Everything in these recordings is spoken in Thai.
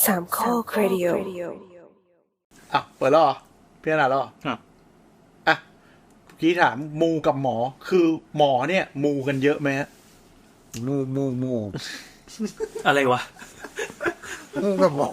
สามข้อครดิโออ่ะเปิดแล้วเหรอพี่ขนาดแล้วเหรออ่ะพี่ถามมูกับหมอคือหมอเนี่ยมูกันเยอะไหมฮะมูอะไรวะมูกับหมอ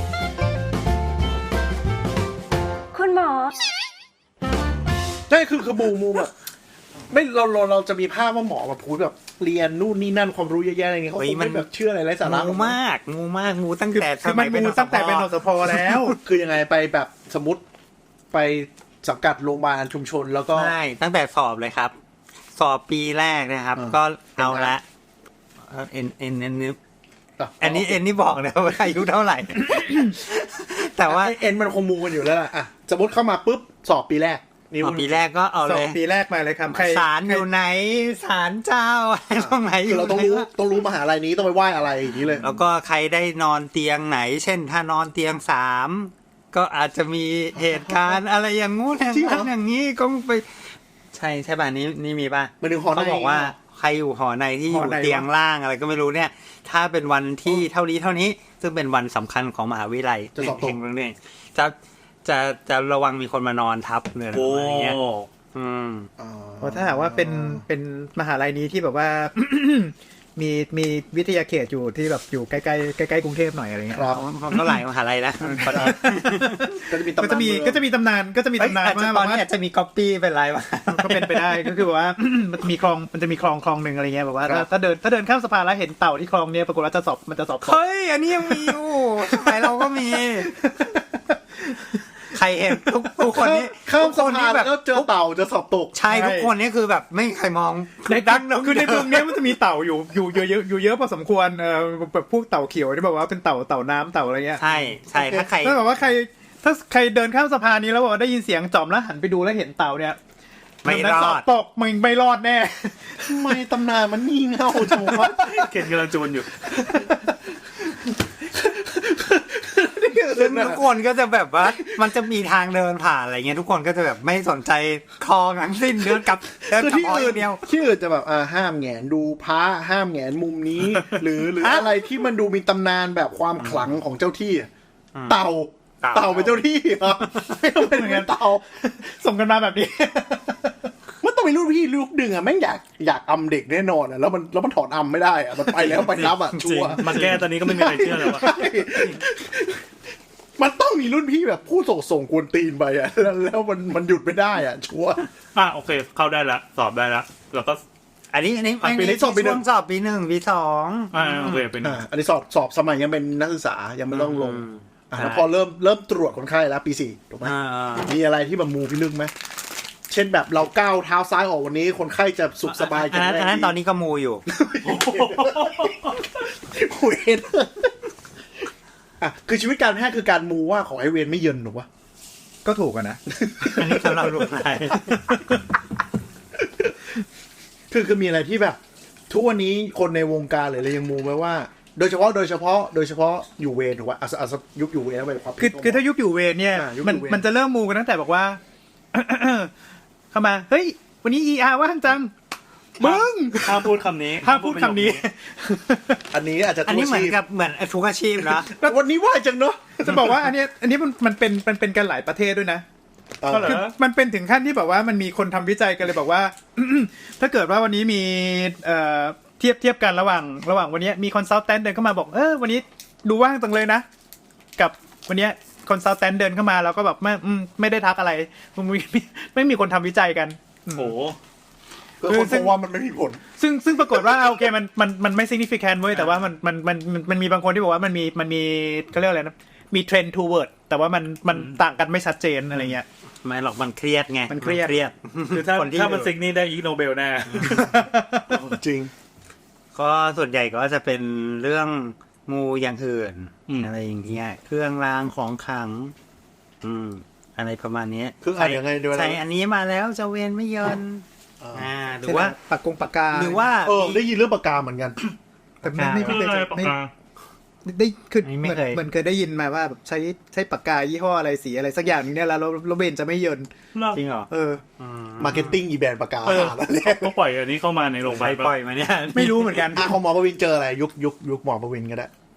คุณหมอใช่คือมูแบบไม่เราจะมีภาพว่าหมอมาพูดแบบเรียนนู่นนี่นั่นความรู้เยอะแยะอะไรเงี้ยเขาคงไม่แบบเชื่ออะไรไร้สาระมูมากมูตั้งแต่คือมันมูตั้งแต่เป็นนสพแล้วคือยังไงไปแบบสมมติไปสังกัดโรงพยาบาลชุมชนแล้วก็ใช่ตั้งแต่สอบเลยครับสอบปีแรกนะครับก็เอาละเอ็นนี่บอกนะว่าอายุเท่าไหร่แต่ว่าเอ็นมันคงมูกันอยู่แล้วล่ะอ่ะสมมติเข้ามาปุ๊บสอบปีแรกปีแรกก็เอาเลยปีแรกมาเลยครับศาลอยู่ไหนศาลเจ้าตรงไหนอยู่เราต้องรู้มหาลัยนี้ต้องไปไหว้อะไรอย่างนี้เลยแล้วก็ใครได้นอนเตียงไหนเช่นถ้านอนเตียง3ก็อาจจะมีเหตุการณ์อะไรอย่างงู้นอย่างนี้ก็ไปใช่ป่ะนี่มีป่ะเขาบอกว่าใครอยู่หอในที่อยู่เตียงล่างอะไรก็ไม่รู้เนี่ยถ้าเป็นวันที่เท่านี้ซึ่งเป็นวันสำคัญของมหาวิทยาลัยจะสอบตกเนี่ยจะระวังมีคนมานอนทับเลยอะไรเงี้ยเพราะถ้าหากว่าเป็นมหาลัยนี้ที่แบบว่า มีวิทยาเขตอยู่ที่แบบอยู่ใกล้กรุงเทพหน่อยอะไรเงี้ยก็หลายมหาลัยนะก็จะมีตำนานว่าตอนนี้อาจจะมีก๊อปปี้เป็นไรวะก็เป็นไปได้ก็คือแบบว่ามันจะมีคลองนึงอะไรเงี้ยแบบว่าถ้าเดินข้ามสะพานแล้วเห็นเต่าที่คลองเนี้ยปรากฏว่ามันจะสอบเฮ้ยอันนี้ยังมีอยู่สมัยเราก็มีใครเห็นทุกคนนี้ข้ามสะพานแล้วเจอเต่าจะสอบตกใช่ทุกคนนี้คือแบบไม่ใครมองในดังคือในเมืองนี้มันจะมีเต่าอยู่เยอะพอสมควรแบบพวกเต่าเขียวที่แบบว่าเป็นเต่าน้ำเต่าอะไรเงี้ยใช่ถ้าใครถ้าแบบว่าถ้าใครเดินข้ามสะพานนี้แล้วบอกว่าได้ยินเสียงจอมแล้วหันไปดูแล้วเห็นเต่าเนี่ยไม่รอดตกมึงไม่รอดแน่ทำไมตำนานมันงี่เง่าจังวะเข็นกำลังจูนอยู่ซึ่งทุกคนก็จะแบบว่ามันจะมีทางเดินผ่านอะไรเงี้ยทุกคนก็จะแบบไม่สนใจคลองทั้งสิ้นเดินกลับที่อื่นเดียวที่อื่นจะแบบห้ามแหงนดูพระห้ามแหงนมุมนี้ หรืออะไรที่มันดูมีตำนานแบบความขลังของเจ้าที่เต่าเป็นเจ้าที่ไม่ต้องเป็นเหมือนเต่าส่งกันมาแบบนี้มันต้องมีรุ่นพี่ลูกดึงแม่งอยากอำเด็กแน่นอนแล้วมันถอนอำไม่ได้มันไปแล้วไปรับชัวร์มาแก้ตอนนี้ก็ไม่มีใครเชื่อแล้วมันต้องมีรุ่นพี่แบบผู้ส่งกวนตีนไปแล้วมันหยุดไม่ได้ชัวร์โอเคเข้าได้ละสอบได้ละแล้วก็อันนี้ปีนี้สอบปี1 สอบปี1ปี2 โอเคเป็นอันนี้สอบสมัยยังเป็นนักศึกษายังไม่ต้องลงแล้วพอเริ่มตรวจคนไข้แล้วปี4ถูกไหมมีอะไรที่แบบมูพี่ลึกไหมเช่นแบบเราก้าวเท้าซ้ายออกวันนี้คนไข้จะสุขสบายกันอันนั้นตอนนี้ก็มูอยู่คุยคือชีวิตการแพทย์คือการมูว่าของไอเวนไม่เยินหรอวะก็ถูกนะอันนี้สำหรับลูกนายคือมีอะไรที่แบบทุกวันนี้คนในวงการหรืออะไรยังมูไว้ว่าโดยเฉพาะอยู่เวรถูกป่ะยุคอยู่เวรแล้วไปความคือถ้ายุคอยู่เวรเนี่ยมันจะเริ่มมูกันตั้งแต่บอกว่าเข้ามาเฮ้ยวันนี้ ER ว่างจังมึงห้ามพูดคำนี้อันนี้อาจจะอันนี้เหมือนทุกอาชีพนะวันนี้ว่างจังเนาะจะบอกว่าอันนี้มันเป็นกันหลายประเทศด้วยนะคือมันเป็นถึงขั้นที่แบบว่ามันมีคนทำวิจัยกันเลยบอกว่าถ้าเกิดว่าวันนี้มีเทียบกันระหว่างวันนี้มีคอนซัลแทนเดินเข้ามาบอกวันนี้ดูว่างจังเลยนะกับวันนี้คอนซัลแทนเดินเข้ามาแล้วก็แบบไม่ได้ทักอะไรไม่มีคนทำวิจัยกันโอ้คือคนว่ามันไม่มีผลซึ่งปรากฏว่าโอเคมันไม่ significant เว้ยแต่ว่ามันมีบางคนที่บอกว่ามันมีเขาเรียกอะไรนะมีเทรนด์ toward แต่ว่ามันต่างกันไม่ชัดเจนอะไรเงี้ยไม่หรอกมันเครียดไงมันเครียดคือถ้ามันซิกนี่ได้อีกโนเบลแน่จริงก็ส่วนใหญ่ก็จะเป็นเรื่องงูอย่างอื่นอะไรอย่างเงี้ยเครื่องรางของขลังอะไรประมาณนี้คืออะไรยังไงด้วยใช่อันนี้มาแล้วจะเวียนไม่เยินหรือว่าปากกาหรือว่าได้ยินเรื่องปากกาเหมือนกันแต่ไม่ได้คือเหมือนเคยได้ยินมาว่าแบบใช้ปากกายี่ห้ออะไรสีอะไรสักอย่างนึงเนี่ยแล้วเบนจะไม่เยินจริงเหรอมาร์เก็ตติ้งอีแบรนด์ปากกาเขาปล่อยอันนี้เข้ามาในโรงพยาบาลปล่อยมาเนี่ยไม่รู้เหมือนกันของหมอประวินเจออะไรยุคหมอประวินก็ได้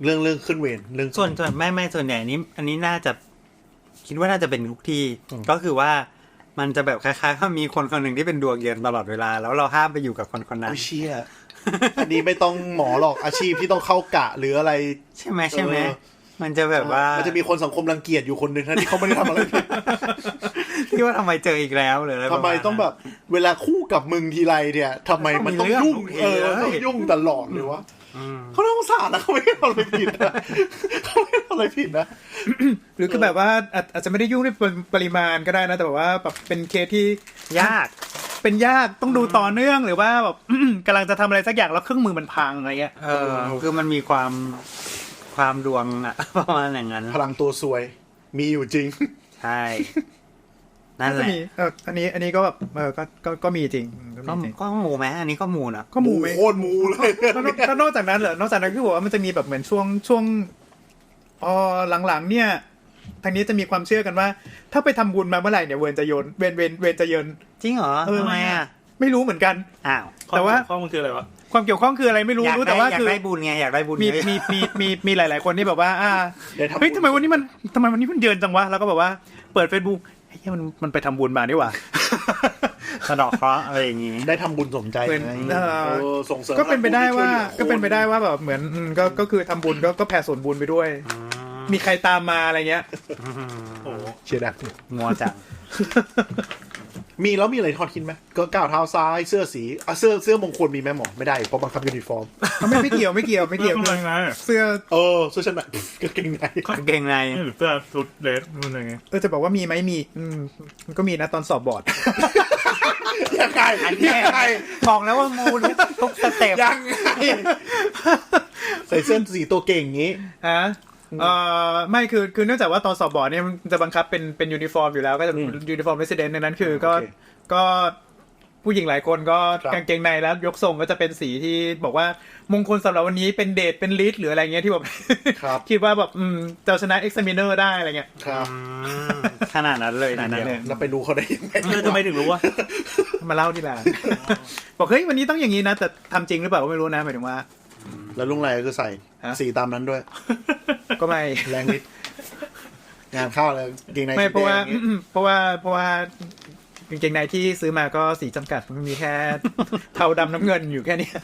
เรื่องขึ้นเวรเรื่องส่วนไม่ส่วนใหญ่อันนี้น่าจะคิดว่าน่าจะเป็นทุกที่ก็คือว่ามันจะแบบคล้ายๆว่ามีคนคนหนึ่งที่เป็นดวงเย็นตลอดเวลาแล้วเราห้ามไปอยู่กับคนคนนั้นเชี่ยอันนี้ไม่ต้องหมอหรอกอาชีพที่ต้องเข้ากะหรืออะไรใช่ไหมมันจะแบบว่ามันจะมีคนสังคมรังเกียจอยู่คนหนึ่งที่เขาไม่ได้ทำอะไรผิดที่ว่าทำไมเจออีกแล้วหรืออะไรทำไมต้องแบบเวลาคู่กับมึงทีไรเนี่ยทำไมมันต้องยุ่งต้องยุ่งตลอดเลยวะเขาต้องสารนะเขาไม่ได้ทำอะไรผิดนะเขาไม่ได้ทำอะไรผิดนะหรือคือแบบว่าอาจจะไม่ได้ยุ่งด้วยปริมาณก็ได้นะแต่ว่าแบบเป็นเคสที่ยากต้องดูต่อเนื่องหรือว่าแบบ กำลังจะทำอะไรสักอย่างแล้วเครื่องมือมันพังอะไรเงี้ยคือมันมีความดวงอะประมาณอย่างนั้นพลังตัวซวยมีอยู่จริงใช่นั่นแหละอันนี้ก็แบบก็มีจริงก็หมูไหมอันนี้ก็หมูนะก็หมูไหมโคตรหมูเลยก็นอกจากนั้นเหรอนอกจากนั้นคือบอกว่ามันจะมีแบบเหมือนช่วงหลังๆเนี่ยทางนี้จะมีความเชื่อกันว่าถ้าไปทำบุญมาเมื่อไหร่เนี่ยเวรจะจะเยินจริงเหรอทำไมอ่ะไม่รู้เหมือนกันแต่ว่าข้อมูลคืออะไรวะความเกี่ยวข้องคืออะไรไม่รู้แต่ว่าคืออยากได้บุญไงอยากได้บุญมีหลายๆคนที่แบบว่าเฮ้ยทำไมวันนี้มันเยินจังวะแล้วก็แบบว่าเปิด Facebook เฮ้ยมันไปทำบุญมานี่หว่าสะดอกเคราะห์อะไรอย่างงี้ได้ทำบุญสมใจส่งเสริมก็เป็นไปได้ว่าแบบเหมือนก็คือทำบุญก็แผ่ส่วนบุญไปด้วยมีใครตามมาอะไรเงี้ยโอ้เชียร์ดักงัวจังมีแล้วมีอะไรทอดทิ้งไหมก็ก้าวเท้าซ้ายเสื้อสีเสื้อมงคลมีไหมหมอไม่ได้เพราะบังคับยูนิฟอร์มไม่เกี่ยวเสื้อเสื้อชั้นในกางเกงในหรือเสื้อชุดเดรสนู่นอะไรเงี้ยจะบอกว่ามีไหมมีมันก็มีนะตอนสอบบอร์ดยังไงบอกแล้วว่ามูทุกสเต็ปยังไงใส่เสื้อสีตัวเก่งงี้ไม่คือเนื่องจากว่าตอนสอบบอร์ดเนี่ยมันจะบังคับเป็นยูนิฟอร์มอยู่แล้วก็จะยูนิฟอร์มเรสซิเดนต์ในนั้นคือก็ผู้หญิงหลายคนก็กางเกงในแล้วยกทรงก็จะเป็นสีที่บอกว่ามงคลสำหรับวันนี้เป็นเดทเป็นลิสหรืออะไรเงี้ยที่แบบคิดว่าแบบจะชนะเอ็กซ์มิเนอร์ได้อะไรเงี้ยครับขนาดนั้นเลยนะเราไปดูเขาได้ยังไงทำไมถึงรู้ว่ามาเล่าที่ร้านบอกเฮ้ยวันนี้ต้องอย่างนี้นะแต่ทำจริงหรือเปล่าก็ไม่รู้นะหมายถึงว่าแล้วลุงไรก็ใส่สีตามนั้นด้วยก็ไม่แรงนิดงานเข้าเลยกางเกงในไม่เพราะว่ากางเกงในที่ซื้อมาก็สีจำกัดมันมีแค่เทาดำน้ำเงินอยู่แค่นี้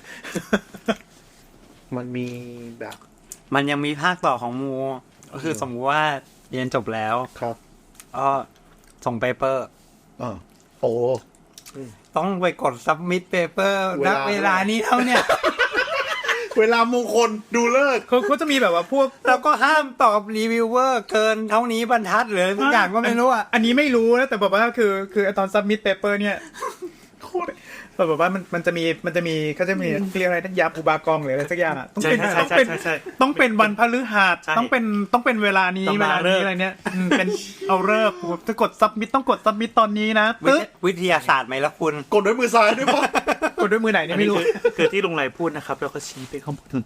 มันมีแบบมันยังมีภาคต่อของมูก็คือสมมติว่าเรียนจบแล้วครับส่งเปเปอร์โอ้ต้องไปกด submit paper ณเวลานี้เท่าเนี่ยเวลามงคลดูเลิกเขาจะมีแบบว่าพวกแล้วก็ห้ามตอบรีวิวเวอร์เกินเท่านี้บรรทัดหรือทุกอย่างก็ไม่รู้อ่ะอันนี้ไม่รู้นะแต่แบบว่าคือตอน submit paper เนี่ยแบบว่ามันจะมีเขาจะมีเรียกอะไรนักยาปูบากองหรืออะไรสักอย่างอ่ะต้องเป็นวันพฤหัสต้องเป็นเวลานี้อะไรเนี่ยเป็นเอาเลิกจะกด submit ต้องกด submit ตอนนี้นะวิทยาศาสตร์ไหมล่ะคุณกดด้วยมือซ้ายด้วยป่ะกดด้วยมือไหนเนี่ยไม่รู้คือที่ลุงไรพูดนะครับแล้วก็ชี้ไปข้างบน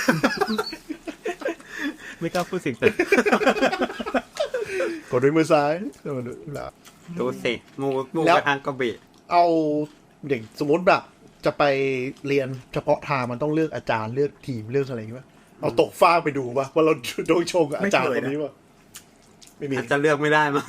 ไม่กล้าพูดสิ่งนั้นกดด้วยมือซ้ายดูสิมูกระทางกระบี่เอาเด็กสมมติแบบจะไปเรียนเฉพาะทางมันต้องเลือกอาจารย์เลือกทีมเลือกอะไรอย่างเงี้ยเอาตกฟ้าไปดูป่ะว่าเราโดนชงกับอาจารย์คนนี้ป่ะไม่มีจะเลือกไม่ได้มั้ง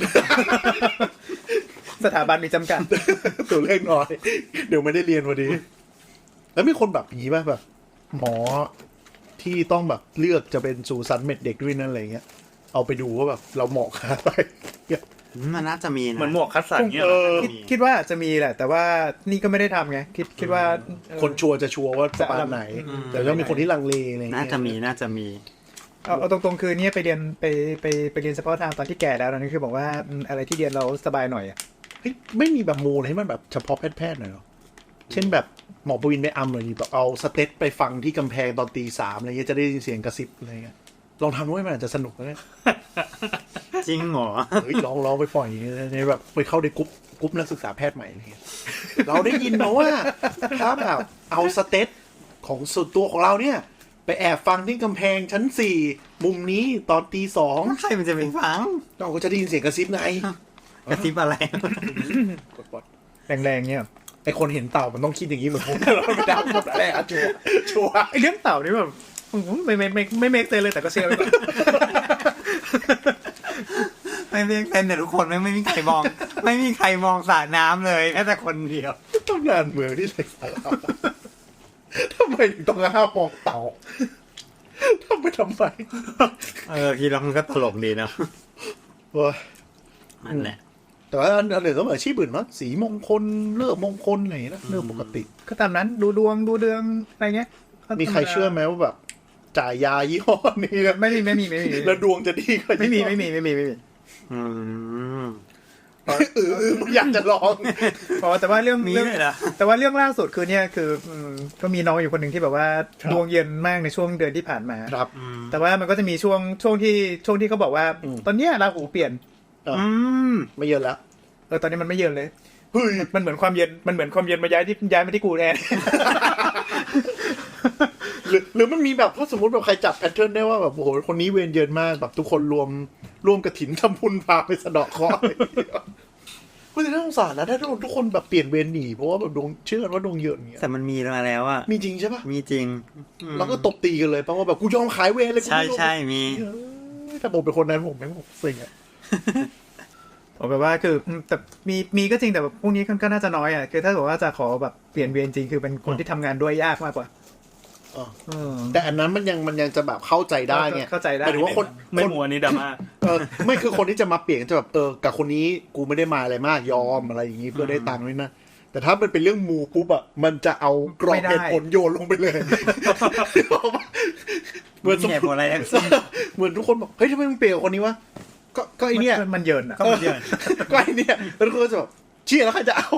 สถาบันมีจำกัดตัวเลขน้อยเดี๋ยวไม่ได้เรียนพอดีแล้วมีคนแบบนี้ป่ะแบบหมอที่ต้องแบบเลือกจะเป็นสูสันเม็ดเด็กด้วยนั่นอะไรเงี้ยเอาไปดูว่าแบบเราเหมาะกับอะไรมันน่าจะมีนะเหมือนหมวกคัดสรรเงี้ยคิดว่าจะมีแหละแต่ว่านี่ก็ไม่ได้ทำไงคิดว่าคนชัวร์จะชัวร์ว่าจะอะไรไหนแต่ก็มีคนที่ลังเลอะไรเงี้ยน่าจะมีเอาตรงๆคือเนี่ยไปเรียนเฉพาะทางตอนที่แก่แล้วนั่นคือบอกว่าอะไรที่เรียนเราสบายหน่อยอ่ะไม่มีแบบมูลให้มันแบบเฉพาะแพทย์หน่อยหรอเช่นแบบหมอประวินไปอัมเลยแบบเอาสเต็ปไปฟังที่กำแพงตอนตี 3อะไรเงี้ยจะได้ยินเสียงกระซิบอะไรเงี้ยลองทำด้วยมันอาจจะสนุกนะจริงเหรอลองไปปล่อยในแบบไปเข้าในกรุ๊ปนักศึกษาแพทย์ใหม่อะไรเงี้ยเราได้ยินมาว่าถ้าแบบเอาสเต็ปของส่วนตัวของเราเนี่ยไปแอบฟังที่กำแพงชั้น4มุมนี้ตอนตี 2 ใครมันจะไปฟังเราก็จะได้ยินเสียงกระซิบไงกระซิบอะไรแรงๆเนี่ยไอคนเห็นเต่ามันต้องคิดอย่างนี้เหมือนผมเราไม่ได้หมดแหละชัวร์ไอเรื่องเต่านี่แบบไม่เมคเซนเลยแต่ก็เชื่อไปก่อนไม่เรียกเป็นแต่ทุกคนไม่มีใครมอง ไม่มีใครมองสระน้ำเลยแม้แต่คนเดียวต้องงานเมืองที่ไร้สาระทำไมถึงต้องห้ามมองเต่าทำไมคิดแล้วมันก็ตลกดีนะเว้ยนั่นแหละแต่ว่าอันอื่นก็เหมือนอาชีพอื่นเนาะสีมงคลเลิกมงคลอะไรอย่างเงี้ยนะเรื่องปกติก็ตามนั้นดูดวงดูเดืองอะไรเงี้ยมีใครเชื่อไหมว่าแบบจ่ายยายี่ห้อนี้นะไม่มีแล้วดวงจะดีกว่าไม่มีอืมอยากจะลองอ๋อแต่ว่าเรื่องมีเลยเหรอแต่ว่าเรื่องล่าสุดคือเนี่ยคือก็มีน้องอยู่คนหนึ่งที่แบบว่าครับดวงเย็นมากในช่วงเดือนที่ผ่านมาครับแต่ว่ามันก็จะมีช่วงที่เขาบอกว่า ตอนเนี้ยราหูเปลี่ยนไม่เยอะแล้วตอนนี้มันไม่เย็นเลยเฮ้ยมันเหมือนความเย็นมาย้ายมาที่กูแทนหรือมันมีแบบถ้าสมมติแบบใครจับแพทเทิร์นได้ว่าแบบโอ้โหคนนี้เวรเยินมากแบบทุกคนรวมกระถินทำบุญพาไปสะเดาะเคราะห์คุณจะน่าสงสารนะถ้าทุกคนแบบเปลี่ยนเวรหนีเพราะว่าแบบดวงเชื่อกันว่าดวงเยอะอย่างเงี้ยแต่มันมีมาแล้วอ่ะมีจริงใช่ปะมีจริงแล้วก็ตบตีกันเลยเพราะว่าแบบกูยอมขายเวรเลยกูใช่ไม่ลงใช่มีถ้าผมเป็นคนนั้นผมแม่งบอกเซ็งอะผมแบบว่าคือแต่มีก็จริงแต่แบบพวกนี้ก็น่าจะน้อยอ่ะคือถ้าบอกว่าจะขอแบบเปลี่ยนเวรจริงคือเป็นคนที่ทำงานด้วยยากมากกว่าแต่อันนั้นมันยังจะแบบเข้าใจได้ไงเข้าใจได้หมายถึงว่าคนไม่มัวนี่ดราม่าไม่คือคนที่จะมาเปลี่ยนจะแบบกับคนนี้กูไม่ได้มาอะไรมากยอมอะไรอย่างงี้เพื่อได้ตังค์ด้วยนะแต่ถ้ามันเป็นเรื่องมูปุ๊บอะมันจะเอากรอบเหตุผลโยนลงไปเลยเหมือนมีเหตุผลอะไรทั้งสิ้นเหมือนทุกคนบอกเฮ้ยทำไมมึงเปลี่ยนกับคนนี้วะก็ไอเนี้ยมันเยินอ่ะก็มันเยอะก็ไอเนี้ยแล้วทุกคนก็จะแบบเชี่ยแล้วใครจะเอา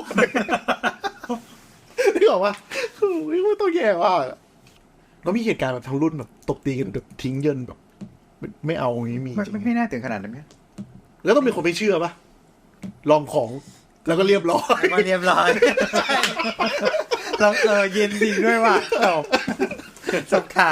นี่บอกว่าไม่ต้องแย่ว่าแล้วมีเหตุการณ์แบบทั้งรุ่นแบบตบตีกันแบบทิ้งเยินแบบไม่เอาอย่างนี้มีจริงไม่น่าถึงขนาดนั้นไหมแล้วต้องมีคนไม่เชื่อปะลองของแล้วก็เรียบร้อยมาเรียบร้อยเราเย็นจริงด้วยว่ะจบข่าว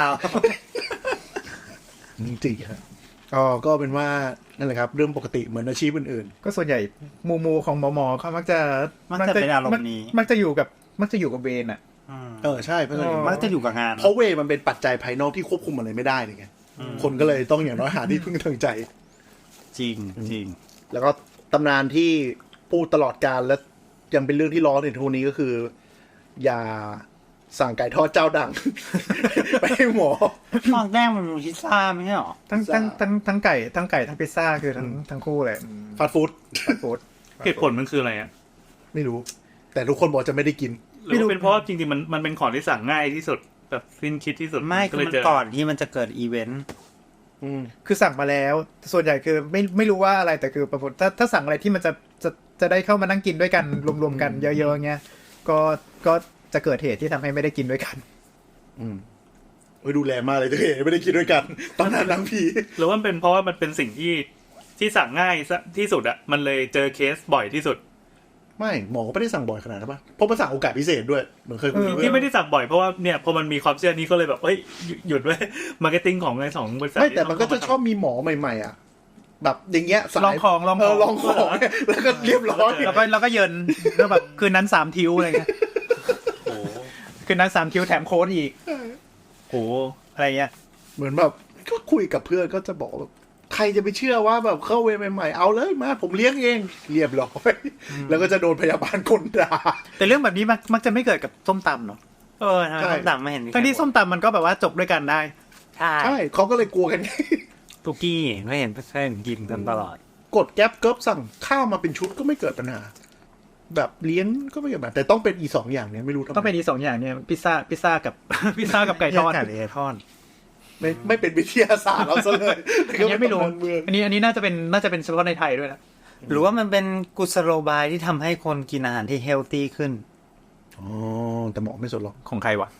จริงๆครับก็เป็นว่านั่นแหละครับเรื่องปกติเหมือนอาชีพอื่นก็ส่วนใหญ่มูของหมอเขามักจะเป็นอารมณ์นี้มักจะอยู่กับเวรอ่ะใช่เพราะมักจะอยู่กับงานเพราะเวย์มันเป็นปัจจัยภายนอกที่ควบคุมอะไรไม่ได้เลยไงคนก็เลยต้องอย่างน้อยหาที่พึ่งทางใจจริงจริงแล้วก็ตำนานที่พูดตลอดการและยังเป็นเรื่องที่ล้อในทุกนี้ก็คือ อย่าสั่งไก่ทอดเจ้าดัง ไปให้หมอตอนแรกมันเป็นพิซซ่าไม่ใช่หรอทั้งไก่ทั้งพิซซ่าคือทั้งคู่เลยฟาสต์ฟู้ดฟู้ดเหตุผลมันคืออะไรอ่ะไม่รู้ แต่ทุกคนบอกจะไม่ได้กินหรือว่าเป็นเพราะว่าจริงๆมันเป็นของที่สั่งง่ายที่สุดแบบสิ้นคิดที่สุดไม่ก็คือเลยมันเจอก่อนที่มันจะเกิดอีเวนต์คือสั่งมาแล้วส่วนใหญ่คือไม่รู้ว่าอะไรแต่คือปรากฏถ้าสั่งอะไรที่มันจะได้เข้ามานั่งกินด้วยกันรวมๆกันเยอะๆเงี้ยก็จะเกิดเหตุที่ทำให้ไม่ได้กินด้วยกันดูแลมากเลยตัวเองไม่ได้กินด้วยกัน ตอนนั้นนังผีหรือว่ามันเป็นเพราะว่ามันเป็นสิ่งที่สั่งง่ายที่สุดอ่ะมันเลยเจอเคสบ่อยที่สุดไม่หมอก็ไม่ได้สั่งบ่อยขนาดนั้นป่ะเพราะมันสั่งโอกาสพิเศษด้วยเหมือนเคยคุยที่ไม่ได้สั่งบ่อยเพราะว่าเนี่ยพอมันมีความเชื่อนี้ก็เลยแบบหยุดไว้มาร์เก็ตติ้งของไอ้สองบริษัทไม่แต่มันก็จะชอบมีหมอใหม่ๆอ่ะแบบอย่างเงี้ยสายลองของลองของแล้วก็เรียบร้อยแล้วก็เยินแล้วแบบคืนนั้น3ทิวอะไรเงี้ยคืนนั้น3ทิวแถมโค้ดอีกโอ้อะไรเงี้ยเหมือนแบบก็คุยกับเพื่อนก็จะบอกแบบใครจะไปเชื่อว่าแบบเข้าเวรใหม่ๆเอาเลยมาผมเลี้ยงเองเรียบร้อยแล้วก็จะโดนพยาบาลคนด่าแต่เรื่องแบบนี้มักจะไม่เกิดกับส้มตำเนาะทำไมส้มตำไม่เห็นทั้งที่ส้มตำมันก็แบบว่าจบด้วยกันได้ใช่เขาก็เลยกลัวกันตุกี้ไม่เห็นเพื่อนกินกันตลอดกดแก๊ปเกิบสั่งข้าวมาเป็นชุดก็ไม่เกิดปัญหาแบบเลี้ยงก็ไม่เกิดปัญหาแต่ต้องเป็นอีสองอย่างเนี้ยไม่รู้ทำไมต้องเป็นอี2อย่างเนี่ยพิซซ่ากับ พิซซ่ากับไก่ทอดไก่ทอดไม่เป็นวิทยาศาสตร์เราซะเลยอันนี้ไม่รู้อันนี้น่าจะเป็นเฉพาะในไทยด้วยนะหรือว่ามันเป็นกุศโลบายที่ทำให้คนกินอาหารที่เฮลตี้ขึ้นอ๋อแต่หมอไม่สนหรอกของใครวะ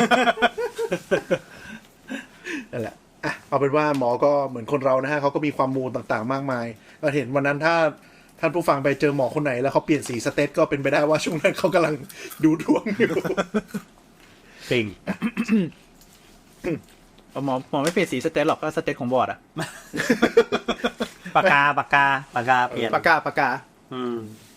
นั่นแหละอ่ะเอาเป็นว่าหมอก็เหมือนคนเรานะฮะเขาก็มีความมูลต่างๆมากมายเราเห็นวันนั้นถ้าท่านผู้ฟังไปเจอหมอคนไหนแล้วเขาเปลี่ยนสีสเตตก็เป็นไปได้ว่าช่วงนั้นเขากำลังดูดวงอยู่จริงหมอไม่เปลี่ยนสีสเตตหรอกก็สเตตของบอร์ดอะปากกาเปลี่ยนปากกาอืม